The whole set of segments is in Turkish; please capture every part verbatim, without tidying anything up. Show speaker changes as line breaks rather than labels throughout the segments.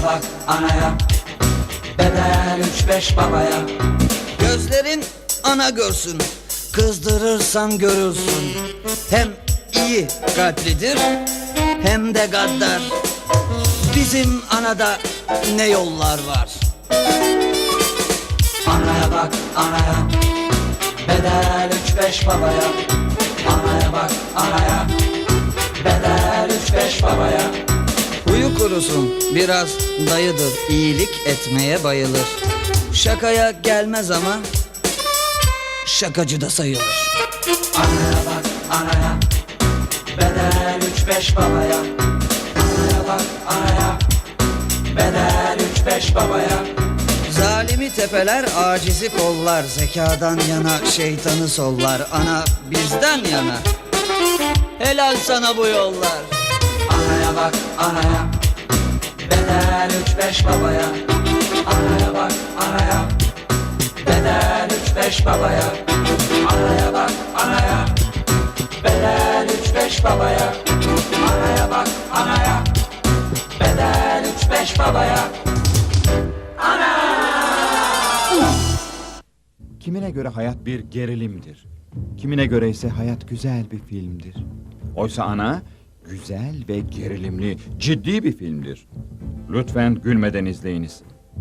bak anaya, bedel üç beş babaya. Gözlerin ana görsün, kızdırırsan görürsün. Hem iyi kalplidir hem de gaddar. Bizim anada ne yollar var. Anaya bak anaya, bedel üç beş babaya. Anaya bak anaya, bedel üç beş babaya. Huyu kurusun biraz dayıdır, iyilik etmeye bayılır. Şakaya gelmez ama şakacı da sayılır. Anaya bak anaya, bedel üç beş babaya. Anaya bak anaya, bedel üç beş babaya. Zalimi tepeler, acizi kollar, zekadan yana şeytanı sollar. Ana bizden yana, helal sana bu yollar. Anaya bak anaya, bedel üç beş babaya. Anaya bak anaya, bedel üç beş babaya. Anaya bak anaya, bedel üç beş babaya. Anaya bak anaya, bedel üç beş babaya.
Kimine göre hayat bir gerilimdir. Kimine göre ise hayat güzel bir filmdir. Oysa Ana güzel ve gerilimli, ciddi bir filmdir. Lütfen gülmeden izleyiniz.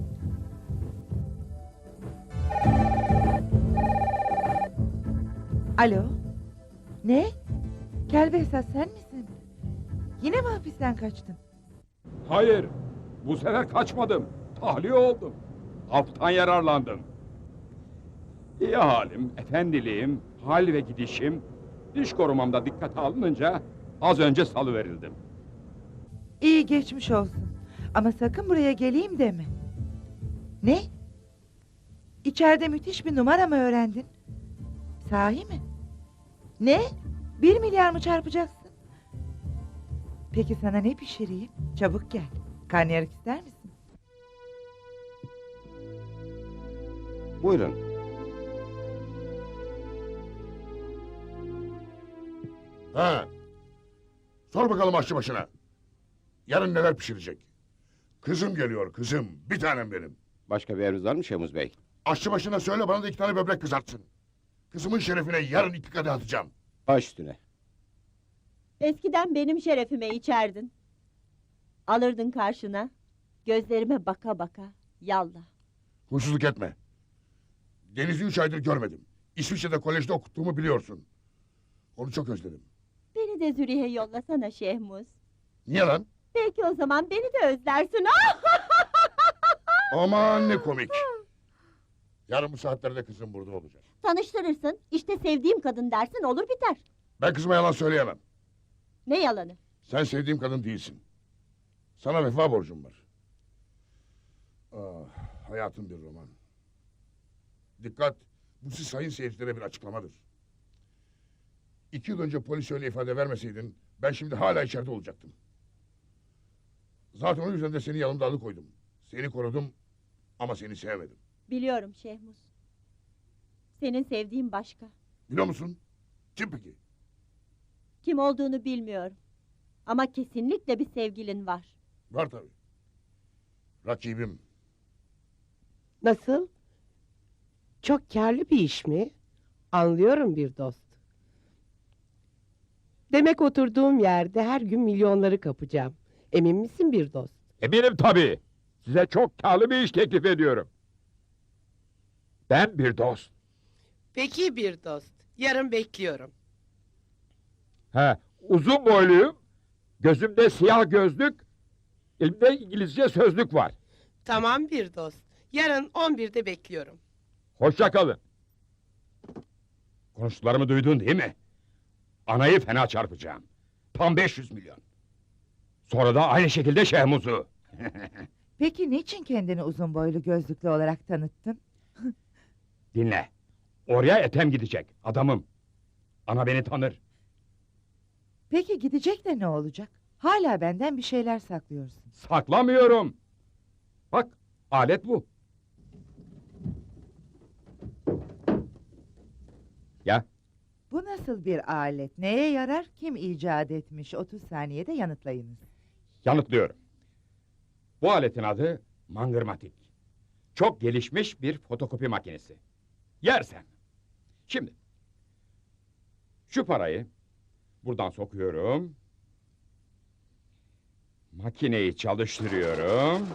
Alo? Ne? Kel Behzat sen misin? Yine mi hapisten kaçtın?
Hayır, bu sefer kaçmadım. Tahliye oldum. Haftan yararlandım. İyi halim, efendiliğim, hal ve gidişim, diş korumamda dikkate alınınca az önce salıverildim.
İyi geçmiş olsun. Ama sakın buraya geleyim deme. Ne? İçeride müthiş bir numara mı öğrendin? Sahi mi? Ne? Bir milyar mı çarpacaksın? Peki sana ne pişireyim? Çabuk gel. Karnıyarık ister misin?
Buyurun.
Ha. Sor bakalım aşçı başına. Yarın neler pişirecek? Kızım geliyor kızım. Bir tanem benim.
Başka bir emriniz var mı Şemuz Bey?
Aşçı başına söyle bana da iki tane böbrek kızartsın. Kızımın şerefine yarın iki kadeh atacağım.
Baş üstüne.
Eskiden benim şerefime içerdin. Alırdın karşına. Gözlerime baka baka. Yallah.
Huysuzluk etme. Deniz'i üç aydır görmedim. İsviçre'de kolejde okuttuğumu biliyorsun. Onu çok özledim.
Beni de Zürih'e yollasana Şehmuz.
Niye lan?
Belki o zaman beni de özlersin.
Aman ne komik. Yarın bu saatlerde kızım burada olacak.
Tanıştırırsın. İşte sevdiğim kadın dersin, olur biter.
Ben kızıma yalan söyleyemem.
Ne yalanı?
Sen sevdiğim kadın değilsin. Sana vefa borcum var. Ah, hayatım bir roman. Dikkat! Bu siz sayın seyircilere bir açıklamadır. İki yıl önce polis öyle ifade vermeseydin, ben şimdi hala içeride olacaktım. Zaten o yüzden de seni yanımda alıkoydum. Seni korudum ama seni sevmedim.
Biliyorum Şehmuz. Senin sevdiğin başka.
Biliyor musun? Kim peki?
Kim olduğunu bilmiyorum. Ama kesinlikle bir sevgilin var.
Var tabii. Rakibim.
Nasıl? Çok kârlı bir iş mi? Anlıyorum bir dost. Demek oturduğum yerde her gün milyonları kapacağım. Emin misin bir dost?
Eminim tabii. Size çok kârlı bir iş teklif ediyorum. Ben bir dost.
Peki bir dost. Yarın bekliyorum.
He, uzun boyluyum, gözümde siyah gözlük, elimde İngilizce sözlük var.
Tamam bir dost. Yarın on birde bekliyorum.
Hoşça kalın. Konuştuklarımı duydun değil mi? Anayı fena çarpacağım. Tam beş yüz milyon. Sonra da aynı şekilde Şehmuz'u.
Peki niçin kendini uzun boylu gözlüklü olarak tanıttın?
Dinle. Oraya Ethem gidecek, adamım. Ana beni tanır.
Peki gidecek de ne olacak? Hala benden bir şeyler saklıyorsun.
Saklamıyorum. Bak, alet bu. Ya,
Bu nasıl bir alet? Neye yarar? Kim icat etmiş? otuz saniyede yanıtlayınız.
yanıtlıyorum. Bu aletin adı mangırmatik. Çok gelişmiş bir fotokopi makinesi. Yersen. Şimdi. Şu parayı buradan sokuyorum. Makineyi çalıştırıyorum.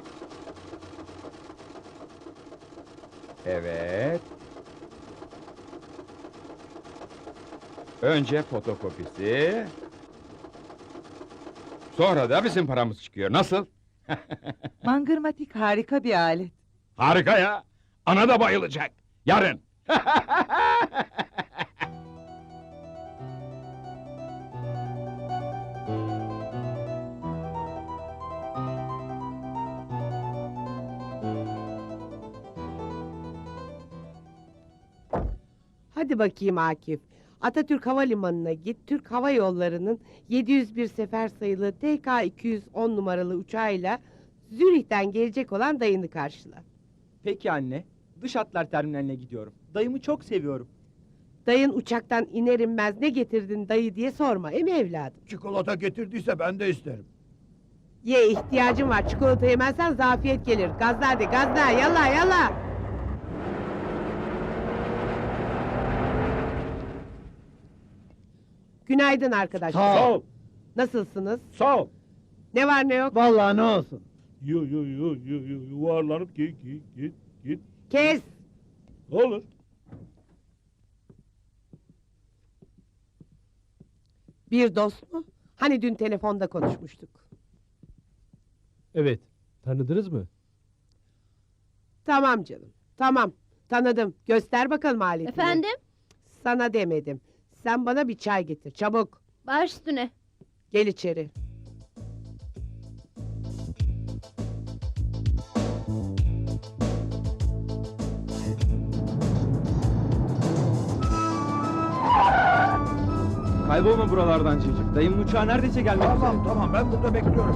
Evet. Önce fotokopisi. Sonra da bizim paramız çıkıyor. Nasıl?
Mangırmatik harika bir alet.
Harika ya. Ana da bayılacak. Yarın.
Hadi bakayım Akif. Atatürk Havalimanı'na git. Türk Hava Yolları'nın yedi yüz bir sefer sayılı T K iki yüz on numaralı uçağıyla Zürih'ten gelecek olan dayını karşıla.
Peki anne. Dış hatlar terminaline gidiyorum. Dayımı çok seviyorum.
Dayın uçaktan iner inmez ne getirdin dayı diye sorma, emi evladım?
Çikolata getirdiyse ben de isterim.
Ye, ihtiyacım var. Çikolata yemezsen zafiyet gelir. Gazla hadi, gazla, yalla yalla. Günaydın arkadaşlar.
Sağ
ol.
Nasılsınız?
Sağ ol.
Ne var ne yok?
Vallahi ne olsun.
Yo yo yo yo yo yuvarlanıp git git git git.
Kes.
Olur.
Bir dost mu? Hani dün telefonda konuşmuştuk.
Evet. Tanıdınız mı?
Tamam canım. Tamam. Tanıdım. Göster bakalım aletini.
Efendim?
Sana demedim. Sen bana bir çay getir. Çabuk.
Baş üstüne.
Gel içeri.
Kaybolma buralardan çocuk. Dayımın uçağı neredeyse gelmek üzere.
Tamam tamam ben burada bekliyorum.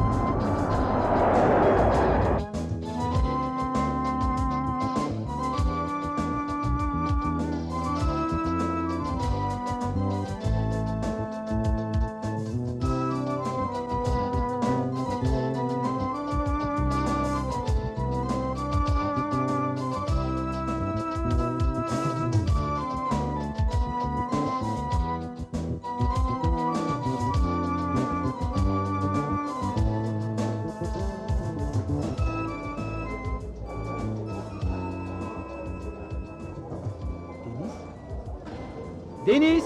Deniz!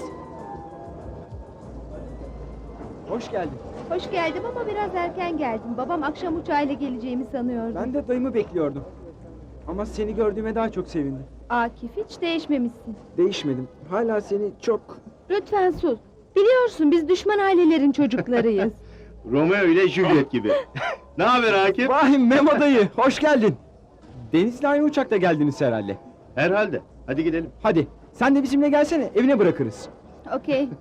Hoş geldin.
Hoş geldim ama biraz erken geldim. Babam akşam uçağıyla geleceğimi sanıyordu.
Ben de dayımı bekliyordum. Ama seni gördüğüme daha çok sevindim.
Akif, hiç değişmemişsin.
Değişmedim. Hala seni çok...
Lütfen sus. Biliyorsun biz düşman ailelerin çocuklarıyız.
Romeo ile Juliet gibi. Ne haber Akif?
Vahim Memo dayı, hoş geldin. Deniz'le aynı uçakta geldiniz herhalde.
Herhalde. Hadi gidelim.
Hadi, sen de bizimle gelsene, evine bırakırız.
Okey.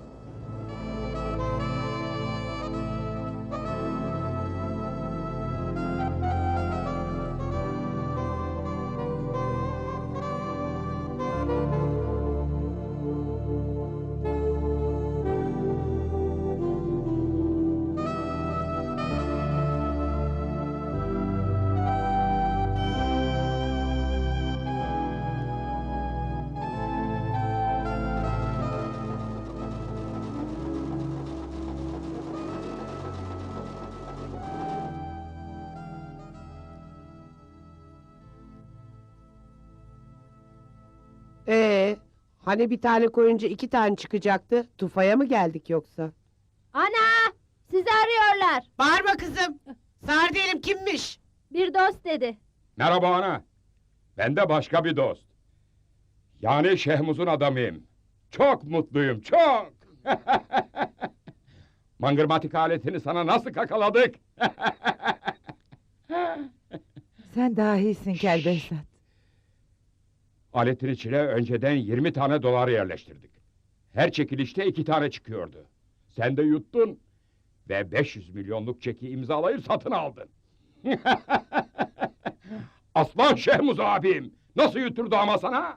Ee, hani bir tane koyunca iki tane çıkacaktı? Tufaya mı geldik yoksa?
Ana! Sizi arıyorlar.
Bağırma kızım. Sağır değilim, kimmiş?
Bir dost dedi.
Merhaba ana. Ben de başka bir dost. Yani Şehmuz'un adamıyım. Çok mutluyum, çok. Mangırmatik aletini sana nasıl kakaladık?
Sen dahisin Kel Behzat.
Aletin içine önceden yirmi tane dolar yerleştirdik. Her çekilişte iki tane çıkıyordu. Sen de yuttun ve beş yüz milyonluk çeki imzalayıp satın aldın. Aslan Şehmuz abim, nasıl yuturdu ama sana?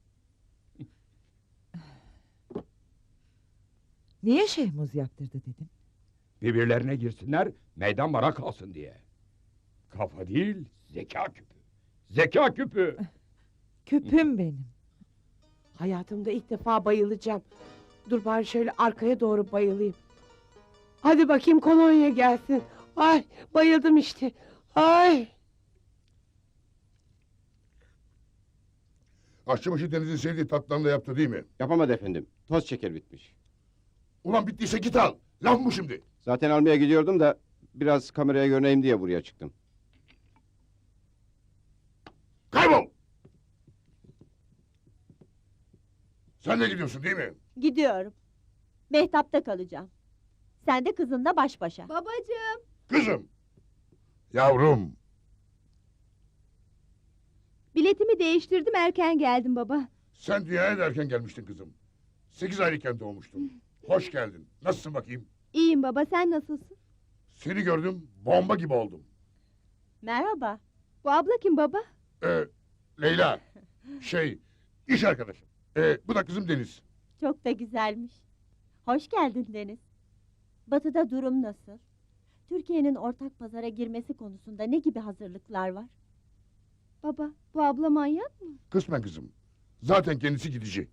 Niye Şehmuz yaptırdı dedin?
Birbirlerine girsinler, meydan bana kalsın diye. Kafa değil, zeka küpü. Zeka küpü.
Küpüm benim.
Hayatımda ilk defa bayılacağım. Dur bari şöyle arkaya doğru bayılayım. Hadi bakayım kolonya gelsin. Ay bayıldım işte. Ay.
Aşçıbaşı Deniz'in sevdiği tatlıdan da yaptı değil mi?
Yapamadı efendim. Toz şeker bitmiş.
Ulan bittiyse git al. Laf mı şimdi?
Zaten almaya gidiyordum da biraz kameraya görüneyim diye buraya çıktım.
Kaybol! Sen de gidiyorsun değil mi?
Gidiyorum. Mehtap'ta kalacağım. Sen de kızınla baş başa.
Babacığım.
Kızım! Yavrum!
Biletimi değiştirdim, erken geldim baba.
Sen dünyaya da erken gelmiştin kızım. Sekiz aylıkken doğmuştun. Hoş geldin. Nasılsın bakayım?
İyiyim baba, sen nasılsın?
Seni gördüm, bomba gibi oldum.
Merhaba.
Bu abla kim baba?
Ee, Leyla, şey, iş arkadaşım. Ee, bu da kızım Deniz.
Çok da güzelmiş. Hoş geldin Deniz. Batı'da durum nasıl? Türkiye'nin ortak pazara girmesi konusunda ne gibi hazırlıklar var?
Baba, bu abla manyak mı?
Kısmen kızım. Zaten kendisi gidici.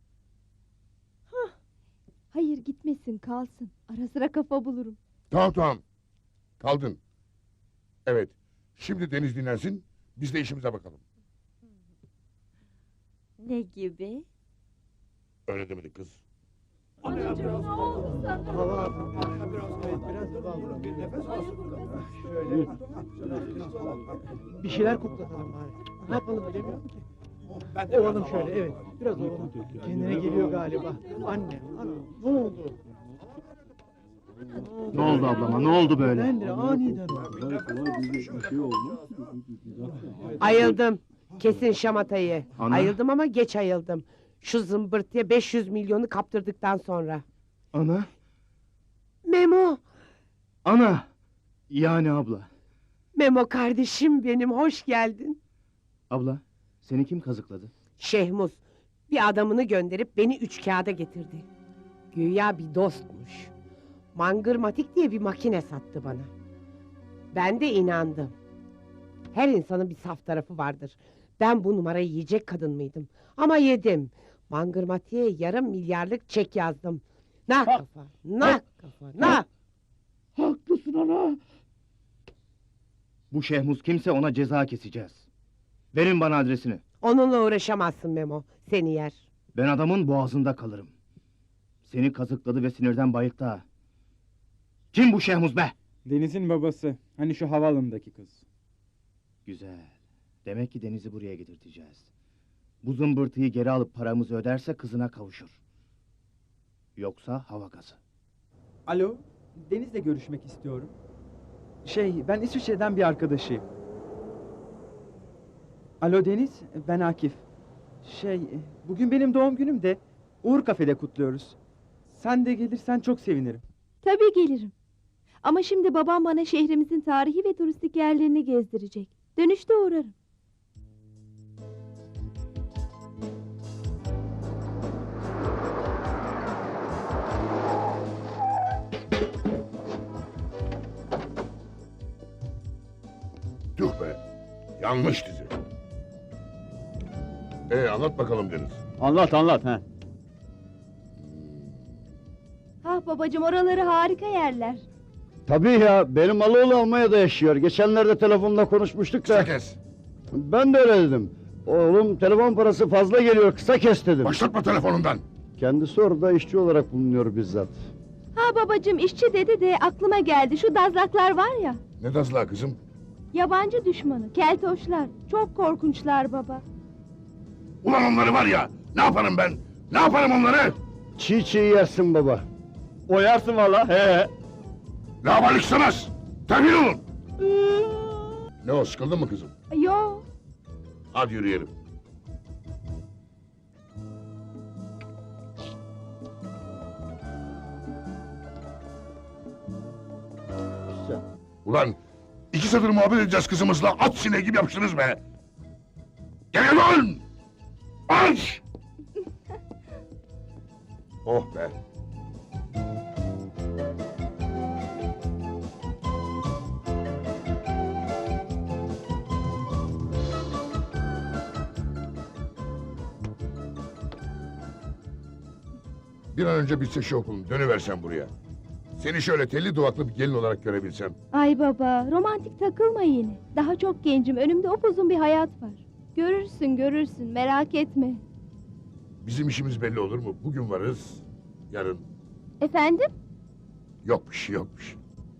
Hayır, gitmesin, kalsın. Ara sıra kafa bulurum.
Tamam tamam. Kaldın. Evet. Şimdi Deniz dinlensin. Biz de işimize bakalım.
Ne gibi?
Öyle demedik kız.
Anacığım, ne oldu sana?
Bir şeyler koklatalım bari. Ne yapalım bilemiyorum ki. Ovalım şöyle, evet. Biraz ovalım. Kendine geliyor galiba. Anne, ana, ne oldu?
Ne oldu ablama? Ne oldu böyle?
Ben de aniden oldu.
Ayıldım. Kesin şamatayı.
Ana.
Ayıldım ama geç ayıldım. Şu zımbırtıya beş yüz milyonu kaptırdıktan sonra.
Ana.
Memo.
Ana. Yani abla.
Memo kardeşim benim, hoş geldin.
Abla, seni kim kazıkladı?
Şehmuz bir adamını gönderip beni üç kağıda getirdi. Güya bir dostmuş. Mangırmatik diye bir makine sattı bana. Ben de inandım. Her insanın bir saf tarafı vardır. Ben bu numarayı yiyecek kadın mıydım? Ama yedim. Mangırmatik'e yarım milyarlık çek yazdım. Nak kafa, nak kafa, nak.
Haklısın ana.
Bu Şehmuz kimse ona ceza keseceğiz. Verin bana adresini.
Onunla uğraşamazsın Memo, seni yer.
Ben adamın boğazında kalırım. Seni kazıkladı ve sinirden bayılttı ha. Kim bu Şehmuz be?
Deniz'in babası. Hani şu havaalanındaki kız.
Güzel. Demek ki Deniz'i buraya getirteceğiz. Bu zımbırtıyı geri alıp paramızı öderse kızına kavuşur. Yoksa hava gazı.
Alo, Deniz'le görüşmek istiyorum. Şey, ben İsviçre'den bir arkadaşıyım. Alo Deniz, ben Akif. Şey, bugün benim doğum günüm de Uğur Kafe'de kutluyoruz. Sen de gelirsen çok sevinirim.
Tabii gelirim. Ama şimdi babam bana şehrimizin tarihi ve turistik yerlerini gezdirecek. Dönüşte uğrarım.
Tüh be. Yanlış dizi. Ee anlat bakalım Deniz.
Anlat anlat ha.
Ha babacığım, oraları harika yerler.
Tabii ya, benim Aloğlu Almanya'da yaşıyor. Geçenlerde telefonla konuşmuştuk
Kısa kes.
Ben de öyle dedim. Oğlum telefon parası fazla geliyor, kısa kes dedim.
Başlatma telefonundan.
Kendisi orada işçi olarak bulunuyor bizzat.
Ha babacığım, işçi dedi de aklıma geldi. Şu dazlaklar var ya.
Ne dazla kızım?
Yabancı düşmanı, keltoşlar. Çok korkunçlar baba.
Ulan onları var ya. Ne yaparım ben? Ne yaparım onları?
Çiğ çiğ yersin baba. Oyarsın valla. He.
Laubalik istemez. Terbiyeli olun. Ne o, sıkıldın mı kızım?
Yo.
Hadi yürüyelim. Ulan iki satır muhabbet edeceğiz kızımızla, at sineği gibi yapıştınız be! Gel lan! Aç! Oh be! Bir an önce bitse şu okulun, dönüversen buraya. Seni şöyle telli duvaklı bir gelin olarak görebilsem.
Ay baba, romantik takılma yine. Daha çok gencim, önümde upuzun bir hayat var. Görürsün, görürsün, merak etme.
Bizim işimiz belli olur mu? Bugün varız, yarın
Efendim?
yok bir şey, yok bir şey.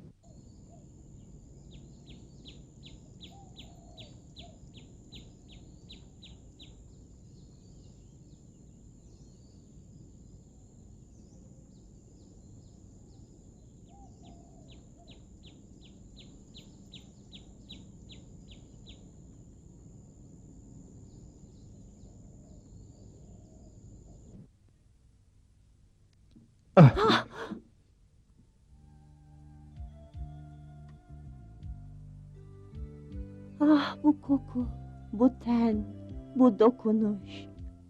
Ah, bu koku, bu ten, bu dokunuş.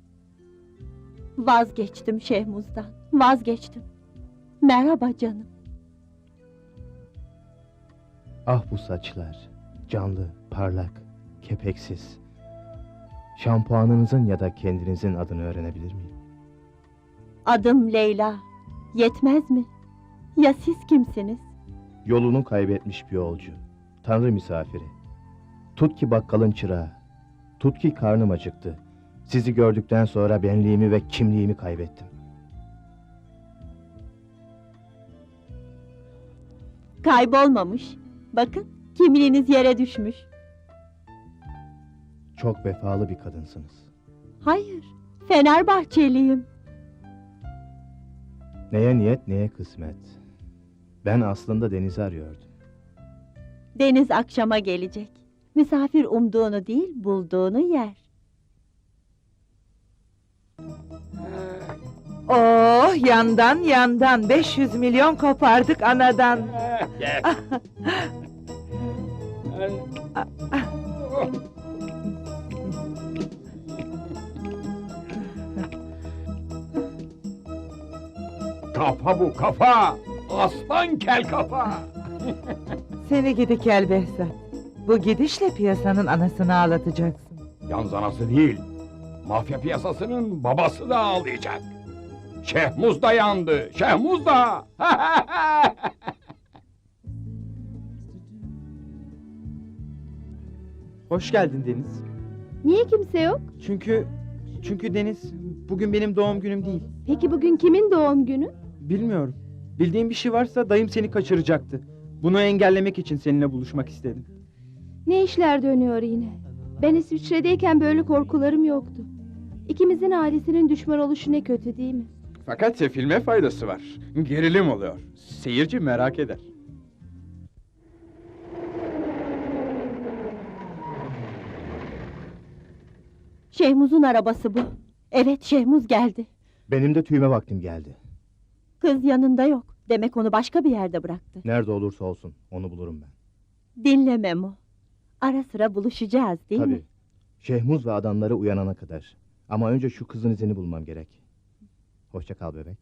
Vazgeçtim Şehmuz'dan, vazgeçtim. Merhaba canım.
Ah bu saçlar, canlı, parlak, kepeksiz. Şampuanınızın ya da kendinizin adını öğrenebilir miyim?
Adım Leyla. Yetmez mi? Ya siz kimsiniz?
Yolunu kaybetmiş bir yolcu, tanrı misafiri. Tut ki bakkalın çırağı, tut ki karnım acıktı. Sizi gördükten sonra benliğimi ve kimliğimi kaybettim.
Kaybolmamış. Bakın, kimliğiniz yere düşmüş.
Çok vefalı bir kadınsınız.
Hayır, Fenerbahçeliyim.
Neye niyet neye kısmet. Ben aslında denizi arıyordum.
Deniz akşama gelecek. Misafir umduğunu değil, bulduğunu yer.
Oh, yandan yandan beş yüz milyon kopardık anadan.
Gel. Kafa bu, kafa! Aslan kel kafa!
Seni gidi kel Behzat. Bu gidişle piyasanın anasını ağlatacaksın.
Yalnız anası değil, mafya piyasasının babası da ağlayacak. Şehmuz da yandı, Şehmuz da!
Hoş geldin Deniz.
Niye kimse yok?
Çünkü... Çünkü Deniz, bugün benim doğum günüm değil.
Peki bugün kimin doğum günü?
Bilmiyorum. Bildiğin bir şey varsa dayım seni kaçıracaktı. Bunu engellemek için seninle buluşmak istedim.
Ne işler dönüyor yine? Ben İsviçre'deyken böyle korkularım yoktu. İkimizin ailesinin düşman oluşu ne kötü değil mi?
Fakat filme faydası var. Gerilim oluyor. Seyirci merak eder.
Şehmuz'un arabası bu. Evet, Şehmuz geldi.
Benim de tüyme vaktim geldi.
Kız yanında yok. Demek onu başka bir yerde bıraktı.
Nerede olursa olsun onu bulurum ben.
Dinle Memo. Ara sıra buluşacağız değil mi?
Tabii. Şehmuz ve adamları uyanana kadar. Ama önce şu kızın izini bulmam gerek. Hoşça kal bebek.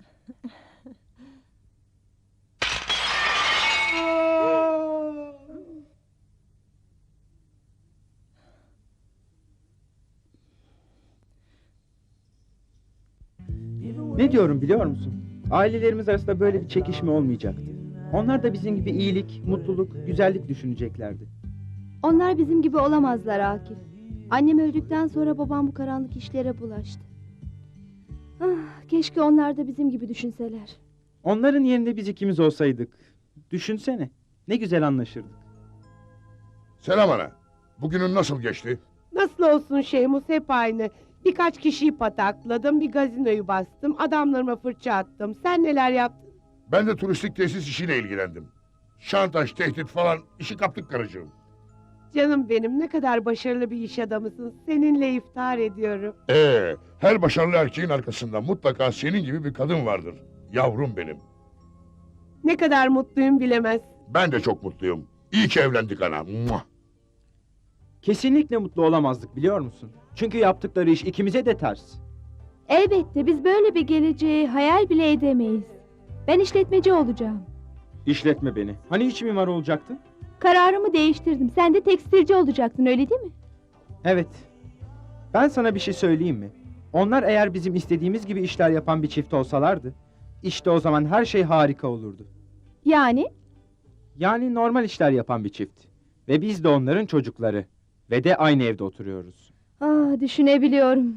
Ne diyorum biliyor musun? Ailelerimiz arasında böyle bir çekişme olmayacaktı. Onlar da bizim gibi iyilik, mutluluk, güzellik düşüneceklerdi.
Onlar bizim gibi olamazlar Akif. Annem öldükten sonra babam bu karanlık işlere bulaştı. Ah, keşke onlar da bizim gibi düşünseler.
Onların yerinde biz ikimiz olsaydık. Düşünsene, ne güzel anlaşırdık.
Selam ana. Bugünün nasıl geçti?
Nasıl olsun Şehmus, hep aynı. Birkaç kişiyi patakladım, bir gazinoyu bastım, adamlarıma fırça attım. Sen neler yaptın?
Ben de turistik tesis işiyle ilgilendim. Şantaj, tehdit falan işi kaptık karıcığım.
Canım benim, ne kadar başarılı bir iş adamısın. Seninle iftihar ediyorum.
Ee, her başarılı erkeğin arkasında mutlaka senin gibi bir kadın vardır. Yavrum benim.
Ne kadar mutluyum bilemez.
Ben de çok mutluyum. İyi ki evlendik ana. Muah!
Kesinlikle mutlu olamazdık biliyor musun? Çünkü yaptıkları iş ikimize de ters.
Elbette biz böyle bir geleceği hayal bile edemeyiz. Ben işletmeci olacağım.
İşletme beni. Hani iç mimar olacaktın?
Kararımı değiştirdim. Sen de tekstilci olacaktın, öyle değil mi?
Evet. Ben sana bir şey söyleyeyim mi? Onlar eğer bizim istediğimiz gibi işler yapan bir çift olsalardı, İşte o zaman her şey harika olurdu.
Yani?
Yani normal işler yapan bir çift. Ve biz de onların çocukları. Ve de aynı evde oturuyoruz.
Ah, düşünebiliyorum.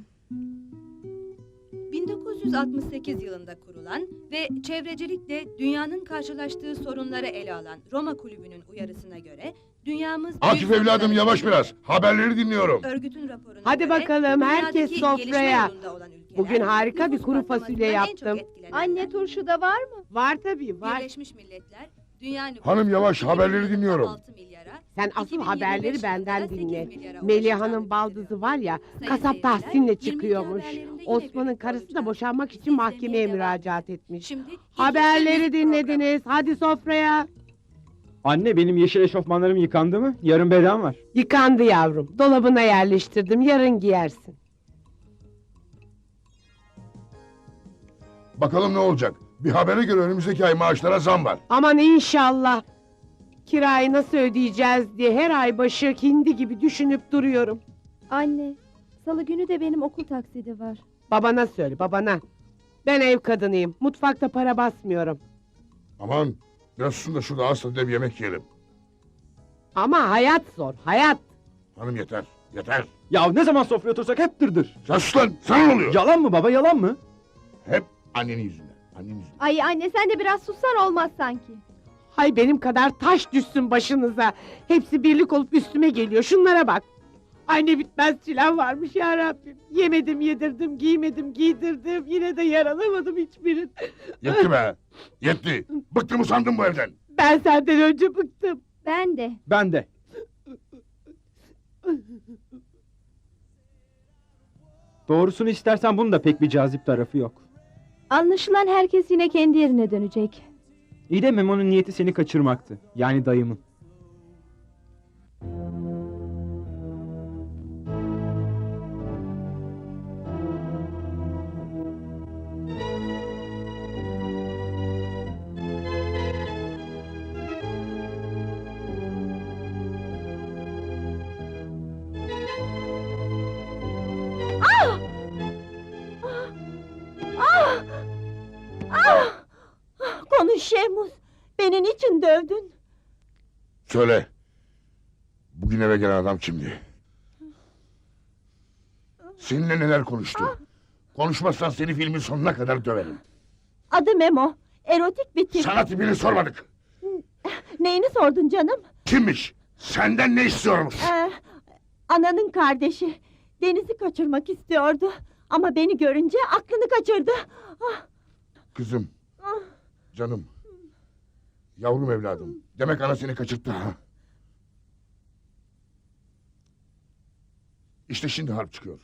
bin dokuz yüz altmış sekiz yılında kurulan ve çevrecilikle dünyanın karşılaştığı sorunları ele alan Roma Kulübü'nün uyarısına göre dünyamız...
Akif
büyük
evladım
sorunlara
yavaş
içinde.
biraz. Haberleri dinliyorum.
Örgütün raporuna
Hadi
göre,
bakalım, herkes
dünyadaki gelişme
sofraya.
yolunda olan ülkeler,
Bugün harika bir
nüfus
kuru
patlamasından
fasulye
en çok
yaptım.
etkilenenler,
Anne, turşu da var mı?
Var tabii, var.
Birleşmiş Milletler, dünya nüfusu
Hanım yavaş,
iki bin
haberleri
yılında
dinliyorum.
altı milyara,
Sen
iki
asıl
bin yirmi beş
haberleri
yılında
benden
sekiz
dinle.
milyara
Meliha'nın
ulaşacağını
baldızı var ya,
Sayın
kasap
seyirciler,
Tahsin'le
yirmi iki
çıkıyormuş.
haberlerinde yine
Osman'ın
birlikte
karısı da
olacağız.
boşanmak için
İzlemeye
mahkemeye
devam
müracaat
edin.
etmiş.
Şimdi ikinci
Haberleri
büyük program.
dinlediniz, hadi sofraya.
Anne, benim yeşil eşofmanlarım yıkandı mı? Yarın beden var.
Yıkandı yavrum, dolabına yerleştirdim, yarın giyersin.
Bakalım ne olacak? Bir habere göre önümüzdeki ay maaşlara zam var.
Aman inşallah. Kirayı nasıl ödeyeceğiz diye her ay başı hindi gibi düşünüp duruyorum.
Anne, salı günü de benim okul taksidi var.
Babana söyle, babana. Ben ev kadınıyım, mutfakta para basmıyorum.
Aman biraz susun da şurada ağız tadıyla bir yemek yiyelim.
Ama hayat zor, hayat.
Hanım yeter, yeter.
Ya ne zaman sofraya otursak hep dırdır.
Sen sus lan, sana ne oluyor?
Yalan mı baba, yalan mı?
Hep annenin yüzünden, annenin yüzünden.
Ay anne, sen de biraz sussan olmaz sanki.
Hay benim kadar taş düşsün başınıza. Hepsi birlik olup üstüme geliyor, şunlara bak. Ay ne bitmez çilem varmış ya Rabbim. Yemedim yedirdim, giymedim giydirdim. Yine de yaralamadım hiçbirini.
Yetti be, yetti. Bıktım usandım bu evden.
Ben senden önce bıktım.
Ben de.
Ben de. Doğrusunu istersen bunun da pek bir cazip tarafı yok.
Anlaşılan herkes yine kendi yerine dönecek.
İyi de Memo'nun niyeti seni kaçırmaktı. Yani dayımın.
Konuş Şehmuz. Beni niçin dövdün?
Söyle. Bugün eve gelen adam kimdi? Seninle neler konuştu? Konuşmazsan seni filmin sonuna kadar döverim.
Adı Memo. Erotik bir tip.
Sana tipini sormadık.
Neyini sordun canım?
Kimmiş? Senden ne istiyormuş?
Ee, ananın kardeşi. Deniz'i kaçırmak istiyordu. Ama beni görünce aklını kaçırdı. Ah,
Kızım. Canım. Yavrum evladım. Demek ana seni kaçırttı ha? İşte şimdi harp çıkıyor.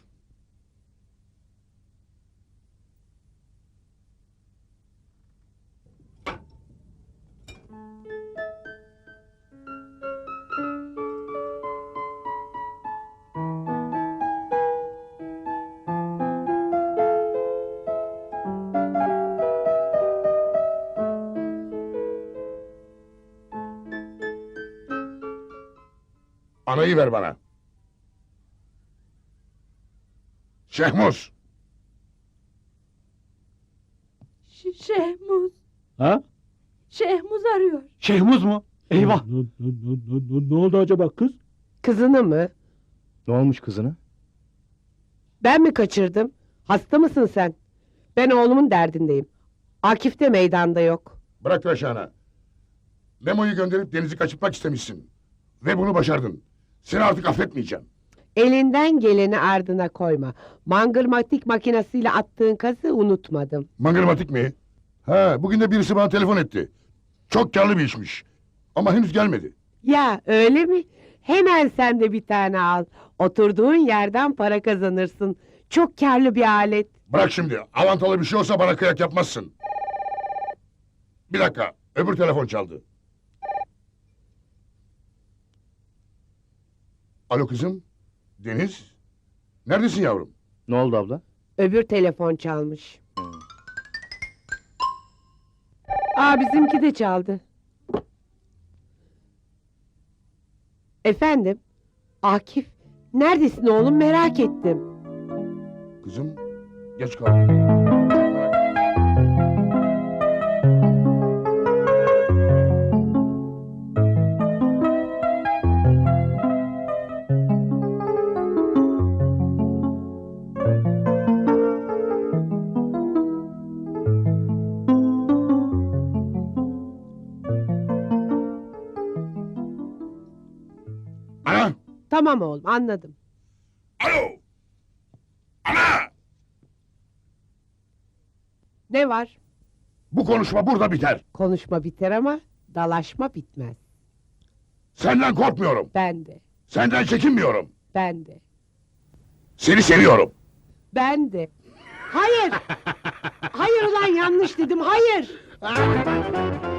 Anayı ver bana. Şehmuz.
Ş- Şehmuz.
Ha?
Şehmuz arıyor.
Şehmuz mu? Eyvah!
Ne, ne, ne, ne, ne oldu acaba kız?
Kızını mı?
Ne olmuş kızına?
Ben mi kaçırdım? Hasta mısın sen? Ben oğlumun derdindeyim. Akif de meydanda yok.
Bırak Reşan'a. Memo'yu gönderip Deniz'i kaçırtmak istemişsin. Ve bunu başardın. Seni artık affetmeyeceğim.
Elinden geleni ardına koyma. Mangırmatik makinesiyle attığın kazı unutmadım.
Mangırmatik mi? Ha, bugün de birisi bana telefon etti. Çok karlı bir işmiş. Ama henüz gelmedi.
Ya öyle mi? Hemen sen de bir tane al. Oturduğun yerden para kazanırsın. Çok karlı bir alet.
Bırak şimdi. Avantalı bir şey olsa bana kıyak yapmazsın. Bir dakika. Öbür telefon çaldı. Alo kızım. Deniz. Neredesin yavrum?
Ne oldu abla?
Öbür telefon çalmış. Aa bizimki de çaldı. Efendim? Akif, neredesin oğlum merak ettim.
Kızım. Geç kaldım. Ana!
Tamam oğlum, anladım.
Alo! Ana!
Ne var?
Bu konuşma burada biter.
Konuşma biter ama dalaşma bitmez.
Senden korkmuyorum.
Ben de,
Senden çekinmiyorum.
ben de,
Seni seviyorum.
ben de. Hayır! Hayır ulan yanlış dedim, hayır!